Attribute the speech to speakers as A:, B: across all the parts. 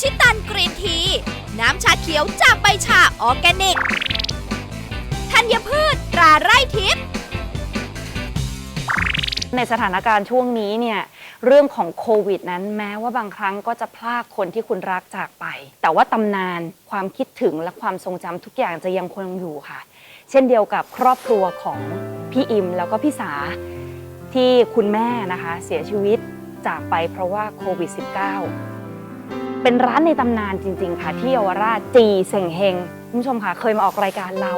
A: ชิตันกรีนที น้ำชาเขียวจากใบชาออร์แกนิก ธัญพืชตราไร่ทิพย์
B: ในสถานการณ์ช่วงนี้เนี่ยเรื่องของโควิดนั้นแม้ว่าบางครั้งก็จะพลากคนที่คุณรักจากไปแต่ว่าตำนานความคิดถึงและความทรงจำทุกอย่างจะยังคงอยู่ค่ะเช่นเดียวกับครอบครัวของพี่อิมแล้วก็พี่สาที่คุณแม่นะคะเสียชีวิตจากไปเพราะว่าโควิด -19 เป็นร้านในตำนานจริงๆค่ะที่เยาวราชจีเส่งเฮงคุณผู้ชมค่ะเคยมาออกรายการเรา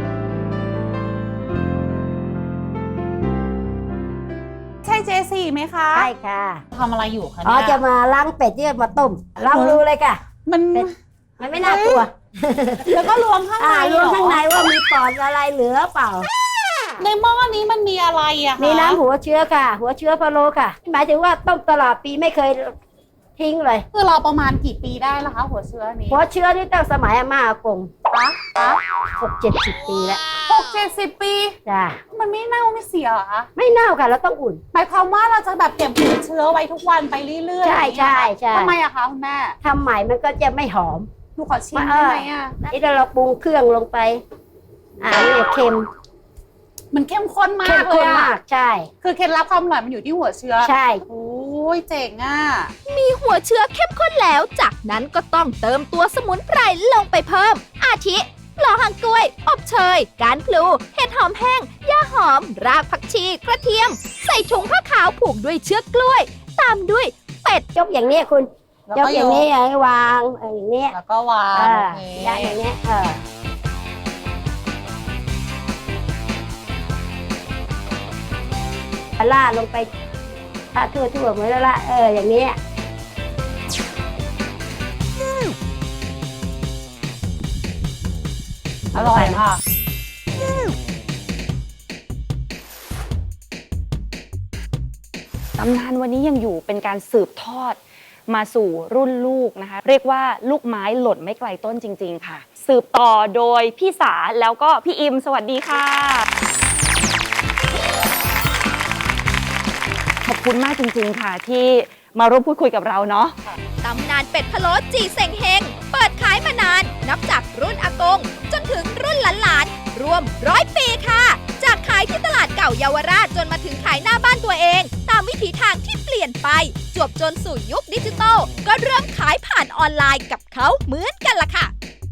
C: ใช่เจสี่ไหมคะ
D: ใช่ค่ะ
C: ทำอะไรอยู่คะ
D: อ๋อ
C: เนี่ย
D: จะมาล้างเป็ดที่มาต้มลองดูเลยค่ะ
C: มัน
D: เป็ด มันไม่น่ากลัว
C: แล้วก็รวมข้างใน
D: รวมข้างในว่ามีปอดอะไรเหลือเปล่า
C: ในหม้อนี้มันมีอะไรอะคะ
D: มีน้ำหัวเชื้อค่ะ หัวเชื้อพะโล้ค่ะ หมายถึงว่าต้มตลอดปีไม่เคยทิ้งเลย
C: คือเราประมาณกี่ปีได้แล้วคะหัวเชื้อนี้
D: หัวเชื้อนี่ตั้งสมัยอาม่าอากง
C: คะ
D: 60-70 ปีแล้ว
C: 60 ปี
D: จ้ะ
C: มันไม่เน่าไม่เสียเหรอคะ
D: ไม่เน่าค่ะเราต้องอุ่น
C: หมายความว่าเราจะแบบเก็บหัวเชื้อไว้ทุกวันไปเรื่อยๆ
D: ใช่ใช่ใช่
C: ทำไมอะคะคุณแม่
D: ทำใหม่มันก็จะไม่หอม
C: หนูขอชิมได้ไหมอะ
D: นี่ถ้าเราปรุงเครื่องลงไปนี่เค็ม
C: มันเข้มข้นมา
D: เข้ม
C: กเล
D: ข้น
C: ยอะ
D: มากใช่
C: คือเคล็ดลับความอร่อยมันอยู่ที่หัวเชื้อ
D: ใช่
C: โอ้ยเจ๋งอะ
A: มีหัวเชื้อเข้มข้นแล้ว จากนั้นก็ต้องเติมตัวสมุนไพรลงไปเพิ่ม อาทิปลอหางกล้วย อบเชย การพลู เห็ดหอมแห้ง ย่าหอม รากผักชี กระเทียม ใส่ถุงผ้าขาวผูกด้วยเชือกกล้วย ตามด้วยเป็ด
D: ยกอย่างนี้คุณ
C: แล้ว
D: ยก
C: ก็
D: อย่างนี้ให้วางอย่างนี้
C: แล้วก็วาง โอเค
D: ยัดอย่างนี้ล่าดลงไปถ้าทั่วๆเหมือนแล้วละอย่างนี้
C: อร่อยค่ะ
B: ตำนานวันนี้ยังอยู่เป็นการสืบทอดมาสู่รุ่นลูกนะคะเรียกว่าลูกไม้หล่นไม่ไกลต้นจริงๆค่ะสืบต่อโดยพี่สาแล้วก็พี่อิมสวัสดีค่ะขอบคุณมากจริงๆค่ะที่มาร่วมพูดคุยกับเราเนาะ
A: ตำนานเป็ดพะโล้จีเซ็งเฮงเปิดขายมานาน นับจากรุ่นอากง จนถึงรุ่นหลานๆ รวม100 ปีค่ะ จากขายที่ตลาดเก่าเยาวราชจนมาถึงขายหน้าบ้านตัวเอง ตามวิถีทางที่เปลี่ยนไป จวบจนสู่ยุคดิจิตอลก็เริ่มขายผ่านออนไลน์กับเขาเหมือนกันล่ะค่ะ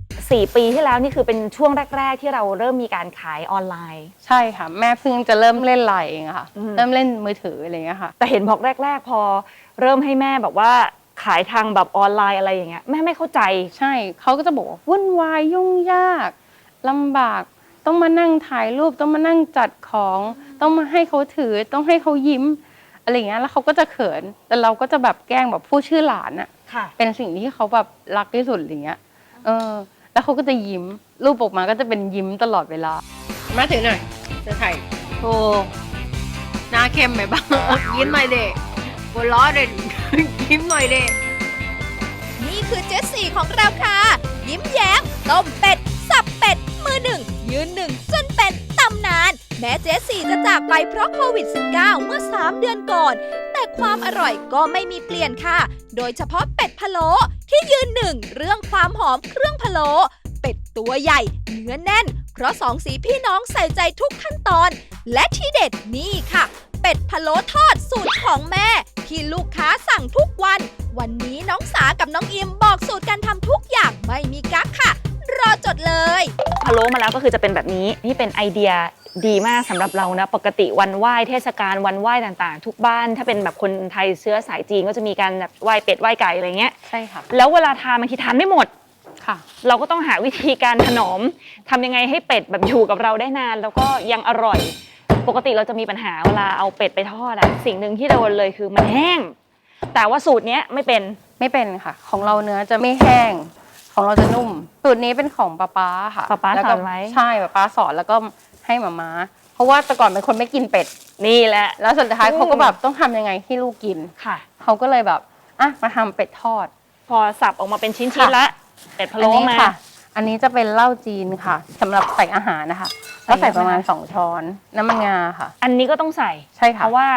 B: 4 ปีที่แล้วนี่คือเป็นช่วงแรก ๆ ที่เราเริ่มมีการขายออนไลน์
E: ใช่ค่ะ แม่เพิ่งจะเริ่มเล่นไลน์เองอะค่ะ
B: อืม
E: เริ่มเล่นมือถืออะไรอย่างเงี้ยค่ะ
B: แต่เห็นบอกแรก ๆ พอเริ่มให้แม่แบบว่าขายทางแบบออนไลน์อะไรอย่างเงี้ยแม่ไม่เข้าใจ
E: ใช่เขาก็จะบอกว่าวุ่นวายยุ่งยากลำบากต้องมานั่งถ่ายรูปต้องมานั่งจัดของต้องมาให้เขาถือต้องให้เขายิ้มอะไรอย่างเงี้ยแล้วเขาก็จะเขินแต่เราก็จะแบบแกล้งแบบพูดชื่อหลานอะ
B: ค่ะ
E: เป็นสิ่งที่เขาแบบรักที่สุดอะไรเงี้ยแล้วเขาก็จะยิ้มรูปออกมาก็จะเป็นยิ้มตลอดเวลามาถือหน่อยจะถ่ายโอ้หน้าเข้มไปบ้าง ยิ้มหน่อยเด็กหัวล้อเด็ก ยิ้มหน่อยเด็ก
A: นี่คือเจสซี่ของเราค่ะ ยิ้มแย้มต้มเป็ด สับเป็ด มือหนึ่ง ยืนหนึ่ง จนเป็นตำนาน แม้เจสซี่จะจากไปเพราะโควิด -19 เมื่อ 3 เดือนก่อน แต่ความอร่อยก็ไม่มีเปลี่ยนค่ะ โดยเฉพาะเป็ดพะโล้ที่ยืนหนึ่งเรื่องความหอมเครื่องพะโล้เป็ดตัวใหญ่ เนื้อแน่น เพราะสองสีพี่น้องใส่ใจทุกขั้นตอน และที่เด็ดนี่ค่ะ เป็ดพะโล้ทอดสูตรของแม่ ที่ลูกค้าสั่งทุกวัน วันนี้น้องสากับน้องอิมบอกสูตรการทำทุกอย่างไม่มีกั๊กค่ะ รอจดเลย
B: พะโล้มาแล้วก็คือจะเป็นแบบนี้นี่เป็นไอเดียดีมากสำหรับเรานะปกติวันไหว้เทศกาลวันไหว้ต่างๆ ทุกบ้านถ้าเป็นแบบคนไทยเชื้อสายจีนก็จะมีการแบบไหว้เป็ดไหว้ไก่อะไรเงี้ย
E: ใช่ค่ะ
B: แล้วเวลาทานบางทีทานไม่หมด
E: ค่ะ
B: เราก็ต้องหาวิธีการถนอมทำยังไงให้เป็ดแบบอยู่กับเราได้นาน แล้วก็ยังอร่อย ปกติเราจะมีปัญหาเวลาเอาเป็ดไปทอดอะสิ่งหนึ่งที่โดนเลยคือมันแห้ง แต่ว่าสูตรเนี้ยไม่เป็น
E: ไม่เป็นค่ะ ของเราเนื้อจะไม่แห้ง ของเราจะนุ่ม สูตรนี้เป็นของป๊าค่ะ
B: ป๊า
E: แล้ว
B: ส
E: ก็
B: อนไว้
E: ใช่ป๊าสอนแล้วก็ให้หม่าเพราะว่าแต่ก่อนเป็นคนไม่กินเป็ด
B: นี่แหละ
E: แล้วสุดท้ายเขาก็แบบต้องทำยังไงให้ลูกกิน
B: ค่ะ
E: เขาก็เลยแบบอ่ะมาทำเป็ดทอด
B: พอสับออกมาเป็นชิ้น
E: ค่ะ
B: ๆละเป็ดพะโล้
E: อันนี้
B: มา
E: ค่ะ อันนี้จะเป็นเหล้าจีนค่ะสำหรับใส่อาหารนะคะก็ใส่ประมาณ2 ช้อนน้ำมันงาค่ะ
B: อันนี้ก็ต้องใส่
E: ใช่ค่ะ
B: เพราะว่า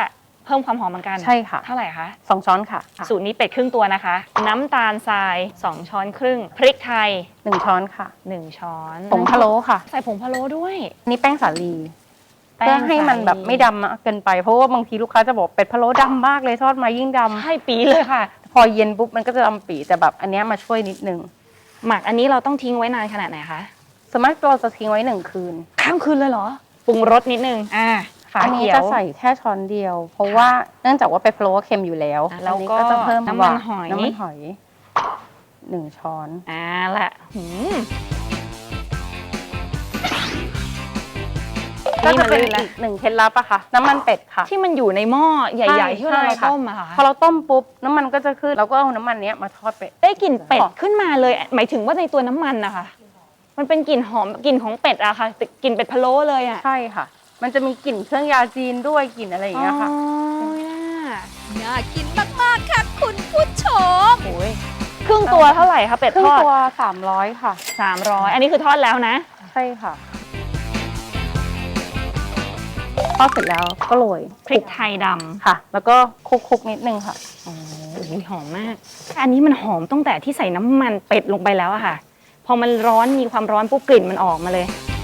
B: เพิ่มความหอมเหมือนกัน
E: ใช่ค่ะ
B: เท่าไหร่คะ
E: 2 ช้อนค่ะ
B: สูตรนี้เป็ดครึ่งตัวนะคะ น้ำตาลทราย 2 ช้อนครึ่ง พริกไทย
E: 1 ช้อนค่ะ
B: 1 ช้อน
E: ผงพะโล้ค่ะ
B: ใส่ผงพะโล้ด้วย
E: นี่แป้งสาลี
B: แป้ง
E: เพื่อให้มัน
B: สาลี
E: แบบไม่ดำมากเกินไป เพราะว่าบางทีลูกค้าจะบอกเป็ดพะโล้ดำมากเลยทอดมายิ่งดำ
B: ใช่ปีเลยค่ะ
E: พอเย็นปุ๊บมันก็จะดำปีแต่แบบอันเนี้ยมาช่วยนิดนึง
B: หมักอันนี้เราต้องทิ้งไว้นานขนาดไหนคะ
E: ส่วนมากเราจะทิ้งไว้1 คืน
B: ข้ามคืนเลยเหรอ ปรุงรสนิดนึง ฝา
E: อันนี้
B: เขียว
E: จะใส่แค่ช้อนเดียว เพราะว่าเนื่องจากว่าเป็ดพะโล้เค็มอยู่แล้ว
B: แล้ว
E: อันนี้
B: ก็
E: จะเพิ่ม
B: น้ำมันหอย
E: น้ำมันหอย1 ช้อน
B: แหละ
E: ก็จะเป็น
B: นี่มันลื่นละ
E: อีก1 เคล็ดลับอะค่ะ น้ำมันเป็ดค่ะ
B: ที่มันอยู่ในหม้อใหญ่ๆที่เรา
E: ใช่ค่ะ
B: ต้มอะค่ะ
E: พอเราต้มปุ๊บน้ำมันก็จะขึ้นเราก็เอาน้ำมันเนี้ยมาทอดเป็ด
B: ได้กลิ่นเป็ด
E: หอม
B: ขึ้นมาเลย หมายถึงว่าในตัวน้ำมันนะคะ มันเป็นกลิ่นหอมกลิ่นของเป็ดอะค่ะกลิ่นเป็ดพะโล้เลยอะ
E: ใช่ค่ะ มันจะมีกลิ่นเครื่องยาจีนด้วยกลิ่นอะไรอย่างเงี้ยค่ะ
B: อ๋อ
A: น่ากินมากๆค่ะคุณผู้ชม
B: โอ้ยครึ่งตัวเท่าไหร่คะเป็ด
E: ครึ่
B: ท
E: ง
B: อด
E: ตัว300ค่ะ
B: 300 อันนี้คือทอดแล้วนะ
E: ใช่ค่ะทอดเสร็จแล้วก็โรย
B: พริกไทยด
E: ค่ะ แล้วก็คลุกๆนิดนึงค่ะ
B: ำโอ้โหหอมมาก อันนี้มันหอมตั้งแต่ที่ใส่น้ำมันเป็ดลงไปแล้วอะค่ะ พอมันร้อนมีความร้อนปุ๊บกลิ่นมันออกมาเลย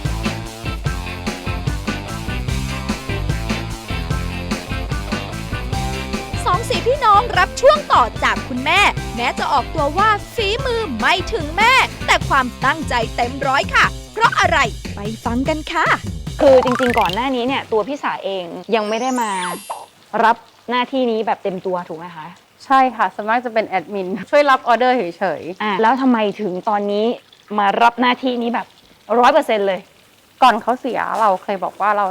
A: สองสีพี่น้องรับช่วงต่อจากคุณแม่ แม้จะออกตัวว่าฝีมือไม่ถึงแม่ แต่ความตั้งใจเต็มร้อยค่ะ เพราะอะไรไปฟังกันค่ะ
B: คือจริงๆก่อนหน้านี้เนี่ยตัวพี่สาเองยังไม่ได้มารับหน้าที่นี้แบบเต็มตัวถูกไหมคะ
E: ใช่ค่ะส่วนมากจะเป็นแอดมินช่วยรับออเดอร์เฉย
B: แล้วทำไมถึงตอนนี้มารับหน้าที่นี้แบบ100%เลย
E: ๆก่อนเขาเสียเราเคยบอกว่าเรา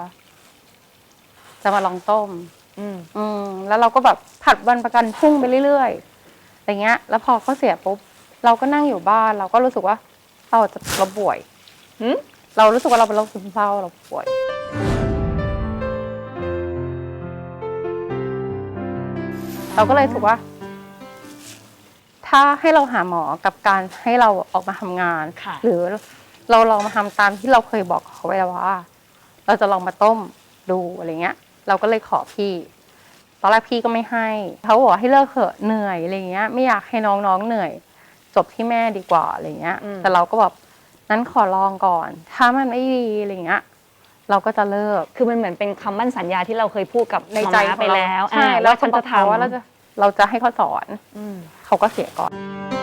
E: จะมาลองต้ม แล้วเราก็แบบผัดวันประกันพรุ่งไปเรื่อยๆอะไรเงี้ย แล้วพอเขาเสียปุ๊บเราก็นั่งอยู่บ้าน เราก็รู้สึกว่าเราป่วย
B: หืม
E: เรารู้สึกว่าเราเป็นโรคซึมเศร้าเราป่วย เราก็เลยรู้สึกว่า ถ้าให้เราหาหมอกับการให้เราออกมาทำงาน
B: ค่ะ
E: หรือเราลองมาทำตามที่เราเคยบอกเขาไว้แล้วว่า เราจะลองมาต้มดูอะไรเงี้ย เราก็เลยขอพี่ ตอนแรกพี่ก็ไม่ให้เขาบอกให้เลิกเถอะเหนื่อยอะไรเงี้ย ไม่อยากให้น้องๆเหนื่อย จบที่แม่ดีกว่าอะไรเงี้ย แต่เราก็แบบนั้นขอลองก่อน ถ้ามันไม่ดีอะไรเงี้ย เราก็จะเลิก
B: คือมันเหมือนเป็นคำมั่นสัญญาที่เราเคยพูดกับ
E: ในใจ
B: หมอม้าไปแล้ว
E: ใช่
B: แล้วฉันจะ
E: เขา
B: ทำ
E: ว่าเราจะให้เขาสอน เขาก็เสียก่อน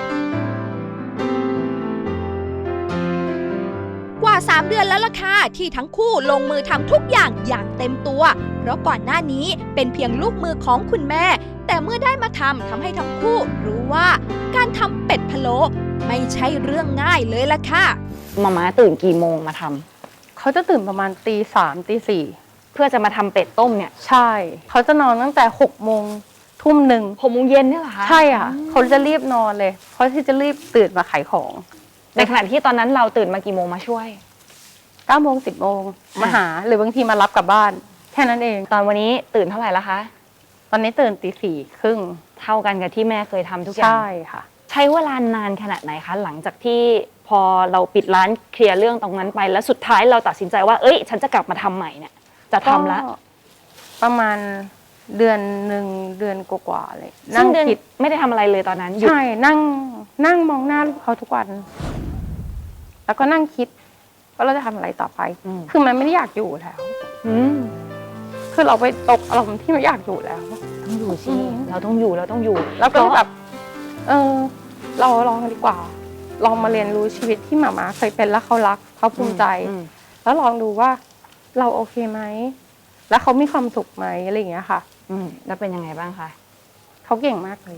A: กว่า 3 เดือนแล้วล่ะค่ะที่ทั้งคู่ลงมือทำทุกอย่างเต็มตัว เพราะก่อนหน้านี้เป็นเพียงลูกมือของคุณแม่ แต่เมื่อได้มาทำให้ทั้งคู่รู้ว่าการทำเป็ดพะโล้ไม่ใช่เรื่องง่ายเลยล่ะค่ะ
B: หมอม้าตื่นกี่โมงมาทำ
E: เขาจะตื่นประมาณ3 ตี 4
B: เพื่อจะมาทำเป็ดต้มเนี่ย
E: ใช่ เขาจะนอนตั้งแต่6 โมงทุ่มหนึ่ง
B: 6 โมงเย็นเนี่ยเหรอคะ
E: ใช่ค่ะ เขาจะรีบนอนเลย เพราะที่จะรีบตื่นมาขายของ
B: ในขณะที่ตอนนั้นเราตื่นมากี่โมงมาช่วย
E: 9 โมง 10 โมงมาหา หรือบางทีมารับกลับบ้าน แค่นั้นเอง
B: ตอนวันนี้ตื่นเท่าไหร่แล้วคะ
E: ตอนนี้ตื่นตี 4 ครึ่ง
B: เท่ากันกับที่แม่เคยทำทุกอย่าง
E: ใช่ค่ะ
B: ใช้เวลานานขนาดไหนคะ หลังจากที่พอเราปิดร้านเคลียร์เรื่องตรงนั้นไป แล้วสุดท้ายเราตัดสินใจว่า เอ้ย ฉันจะกลับมาทำใหม่เนี่ย จะทำละ
E: ก็ประมาณเดือนหนึ่งเดือนกว่าๆเลย
B: ซึ่
E: นั่
B: ง
E: ง
B: เดือน
E: คิด
B: ไม่ได้ทำอะไรเลยตอนนั้นหยุด
E: ใช่ นั่งมองหน้าลูกเขาทุกวัน แล้วก็นั่งคิดว่าเราจะทำอะไรต่อไป คือมันไม่ได้อยากอยู่แล้ว
B: อืม
E: คือเราไปตกอารมณ์ที่ไม่อยากอยู่แล้ว
B: ต้องอยู่สิเราต้องอยู่เราต้องอยู่
E: แล้วก็แบบ เราลองดีกว่า ลองมาเรียนรู้ชีวิตที่หมาเคยเป็นแล้วเขารักเขาภูมิใจ แล้วลองดูว่าเราโอเคไหม แล้วเขามีความสุขไหมอะไรอย่างเงี้ยค่ะ
B: แล้วเป็นยังไงบ้างคะ
E: เขาเก่งมากเลย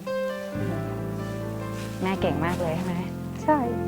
B: แม่เก่งมากเลยใช่ไหม
E: ใช่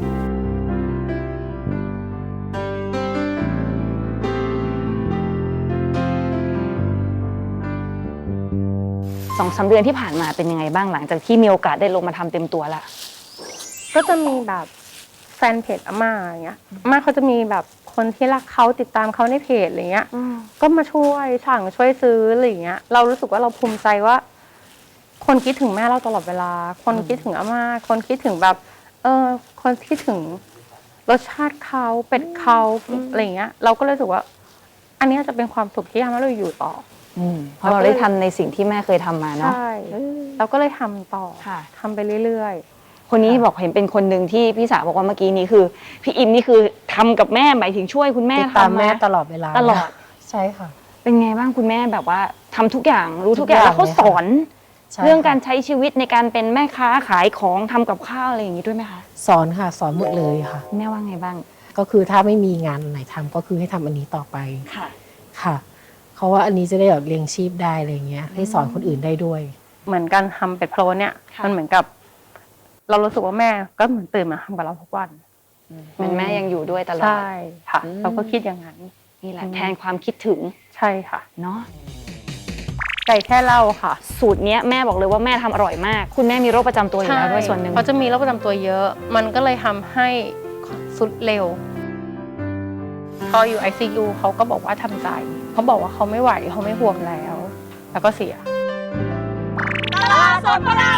B: 2-3 เดือนที่ผ่านมาเป็นยังไงบ้างหลังจากที่มีโอกาสได้ลงมาทำเต็มตัวละ
E: ก็จะมีแบบแฟนเพจอาม่าอย่างเงี้ยอาม่าเขาจะมีแบบคนที่รักเขาติดตามเขาในเพจอะไรเงี้ย ก็มาช่วยสั่งช่วยซื้ออะไรอย่างเงี้ย เรารู้สึกว่าเราภูมิใจว่า คนคิดถึงแม่เราตลอดเวลา คนคิดถึงอาม่า คนคิดถึงแบบ คนคิดถึงรสชาติเขาเป็ดเขาอะไรอย่างเงี้ย เราก็เลยรู้สึกว่า อันเนี้ยจะเป็นความสุขที่ทำให้เราอยู่ต่อ
B: เพราะเราได้ทำในสิ่งที่แม่เคยทำมาเนาะ
E: ใช่เราก็เลยทำต่อ
B: ค่ะ
E: ทำไปเรื่อย
B: คนนี้บอกเห็นเป็นคนหนึ่งที่พี่สาวบอกว่าเมื่อกี้นี้คือพี่อิมนี่คือทำกับแม่หมายถึงช่วยคุณแม่
F: ติดตาม
B: ทำ
F: แม่
B: มา
F: ตลอดเวลา
B: ตลอด
F: ใช่ค่ะ
B: เป็นไงบ้างคุณแม่แบบว่าทำทุกอย่างรู้ทุกอย่าง
F: ทุกอย่าง
B: แล้วเขาสอน
F: ใช่
B: เรื่อง
F: ค่ะ
B: การใช้ชีวิตในการเป็นแม่ค้าขายของทำกับข้าวอะไรอย่างนี้ด้วยไหมคะ
F: สอนค่ะ สอนหมดเลยค่ะ
B: แม่ว่าไงบ้าง
F: ก็คือถ้าไม่มีงานไหนทำก็คือให้ทำอันนี้ต่อไป
B: ค่ะ
F: ค่ะเขาว่าอันนี้จะได้แบบเลี้ยงชีพได้อะไรเงี้ยให้สอนคนอื่นได้ด้วย
E: ๆ เหมือนการทำเป็ดพะโล้เนี่ย
B: ค่ะ
E: มันเหมือนกับ เรารู้สึกว่าแม่ก็เหมือนตื่นมาทำกับเราทุกวัน
B: เป็นแม่ยังอยู่ด้วยตลอด
E: ใช่ค่ะ
B: อืม
E: เราก็คิดอย่างนั้น
B: นี่แหละแทนความคิดถึง
E: ใช่ค่ะ
B: เนาะ
E: ไก่แค่เล่าค่ะ
B: สูตรเนี้ยแม่บอกเลยว่าแม่ทำอร่อยมาก คุณแม่มีโรคประจำตัวอยู่แล้วด้วยส่วนหนึ่ง
E: เขาจะมีโรคประจำตัวเยอะ มันก็เลยทำให้สุดเร็ว พออยู่ ICU เขาก็บอกว่าทำใจ เขาบอกว่าเขาไม่ไหวเขาไม่ห่วงแล้ว แล้วก็เสีย
A: ตลาดสดพระราม